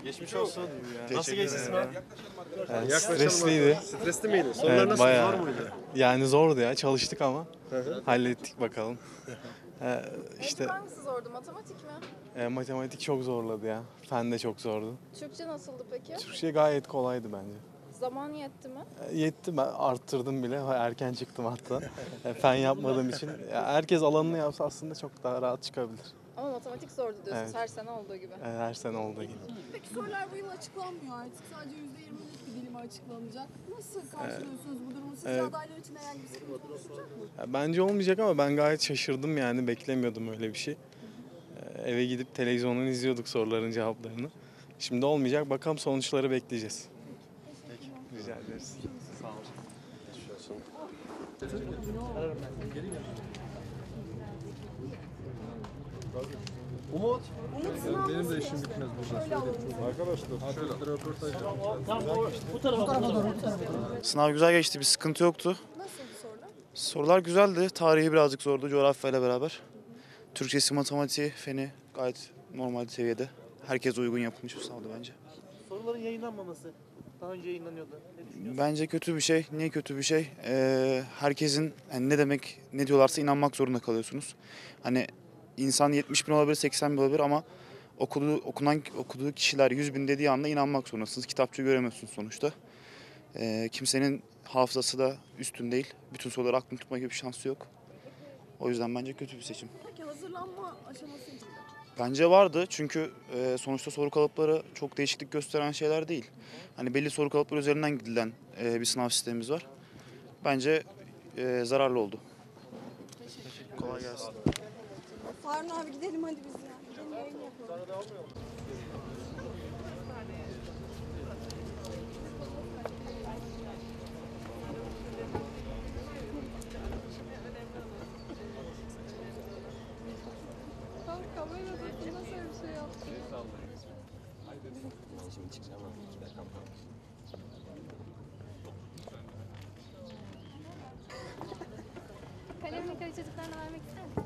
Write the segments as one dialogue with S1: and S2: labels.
S1: Geçmiş olsun. Nasıl
S2: Teşekkür
S1: geçti
S2: ederim.
S1: sınav?
S2: Stresliydi.
S1: Stresli miydi? Sorular
S2: Evet,
S1: nasıl?
S2: bayağı.
S1: Zor muydu?
S2: Yani zordu ya. Çalıştık ama. Hallettik bakalım. İşte
S3: Hangisi zordu? Matematik mi?
S2: matematik çok zorladı ya. Fen de çok zordu.
S3: Türkçe nasıldı peki?
S2: Türkçe gayet kolaydı bence.
S3: Zaman yetti mi?
S2: Yetti, ben arttırdım bile. Erken çıktım hatta. Fen yapmadığım için. Ya herkes alanını yapsa aslında çok daha rahat çıkabilir.
S3: Ama matematik zordu diyorsunuz
S2: Evet.
S3: her sene olduğu gibi.
S2: Her sene olduğu gibi.
S4: Peki sorular bu yıl açıklanmıyor artık. Sadece %20'lik bir dilimi açıklanacak. Nasıl karşılıyorsunuz bu durumu? Sizce
S2: evet.
S4: adaylar için herhangi bir sıkıntı oluşturacak mı?
S2: Ya bence olmayacak ama ben gayet şaşırdım yani. Beklemiyordum öyle bir şey. Eve gidip televizyondan izliyorduk soruların cevaplarını. Şimdi olmayacak. Bakalım sonuçları bekleyeceğiz. Rica ederiz. Sağ olun.
S1: Umut.
S4: Benim de işim bitmez burada.
S5: Sınav güzel geçti, bir sıkıntı yoktu.
S4: Nasıldı sorular?
S5: Sorular güzeldi. Tarihi birazcık zordu, coğrafyayla beraber. Türkçesi, matematiği, feni gayet normal seviyede. Herkese uygun yapılmış bir sınavdı bence.
S6: Soruların yayınlanmaması daha önce yayınlanıyordu. Ne düşünüyorsun?
S5: Bence kötü bir şey. Niye kötü bir şey? Herkesin yani ne demek, ne diyorlarsa inanmak zorunda kalıyorsunuz. Hani insan 70 bin olabilir, 80 bin olabilir ama okuduğu kişiler 100 bin dediği anda inanmak zorundasınız. Kitapçı göremiyorsunuz sonuçta. Kimsenin hafızası da üstün değil. Bütün soruları aklını tutma gibi bir şansı yok. O yüzden bence kötü bir seçim.
S4: Peki hazırlanma aşaması için de.
S5: Bence vardı çünkü sonuçta soru kalıpları çok değişiklik gösteren şeyler değil. Hani belli soru kalıpları üzerinden gidilen bir sınav sistemimiz var. Bence zararlı oldu. Kolay gelsin.
S4: Harun abi gidelim hadi biz ya. Gidelim yayın yapalım. Kamera nasıl bir şey yaptı?
S7: Kalemle kare çocuklarına vermek ister misin?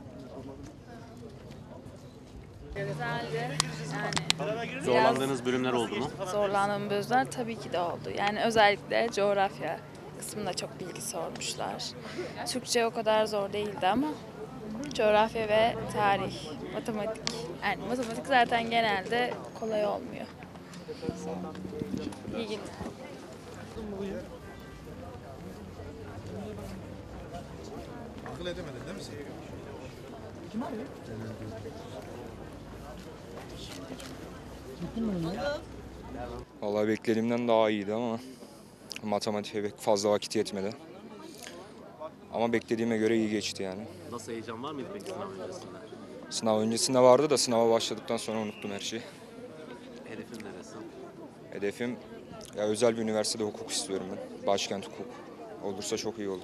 S7: Güzeldi. Yani
S1: Zorlandığınız bölümler oldu mu?
S8: zorlandığım bölümler tabii ki de oldu. Yani özellikle coğrafya kısmında çok bilgi sormuşlar. Türkçe o kadar zor değildi ama coğrafya ve tarih, matematik. Yani matematik zaten genelde kolay olmuyor. İyi günler.
S1: Akıl edemedin değil mi sen?
S9: Vallahi beklediğimden daha iyiydi ama matematiğe pek fazla vakit yetmedi. Ama beklediğime göre iyi geçti yani.
S1: Nasıl, heyecan var mıydı peki sınav öncesinde?
S9: Sınav öncesinde vardı da sınava başladıktan sonra unuttum her şeyi.
S1: Hedefin neresi?
S9: Hedefim ya özel bir üniversitede hukuk istiyorum ben. Başkent hukuk. Olursa çok iyi olur.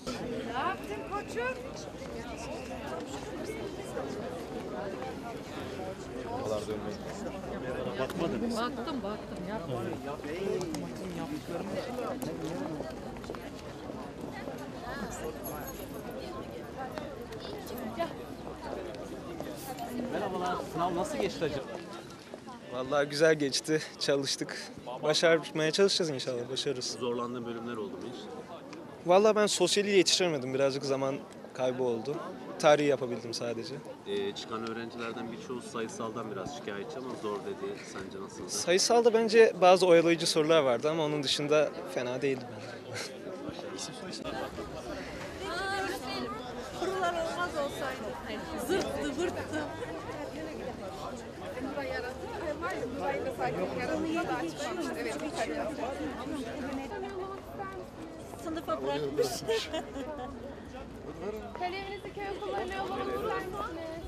S1: Merhabalar. Sınav nasıl geçti acaba?
S10: Vallahi güzel geçti. Çalıştık. Başarmaya çalışacağız inşallah. Başarırız.
S1: Zorlandığın bölümler oldu mu hiç?
S10: Vallahi ben sosyali yetiştiremedim. Birazcık zaman kaybı oldu. Tarihi yapabildim sadece.
S1: Çıkan öğrencilerden birçoğu sayısaldan biraz şikayetçi ama zor dedi. Sence nasıldı?
S10: Sayısalda bence bazı oyalayıcı sorular vardı ama onun dışında fena değildi bence.
S4: Kurular olmaz olsaydı. Zırttı zırttı. Sınıfa bırakmış.
S7: kaleminizi köy okullarına yollamak ister misiniz?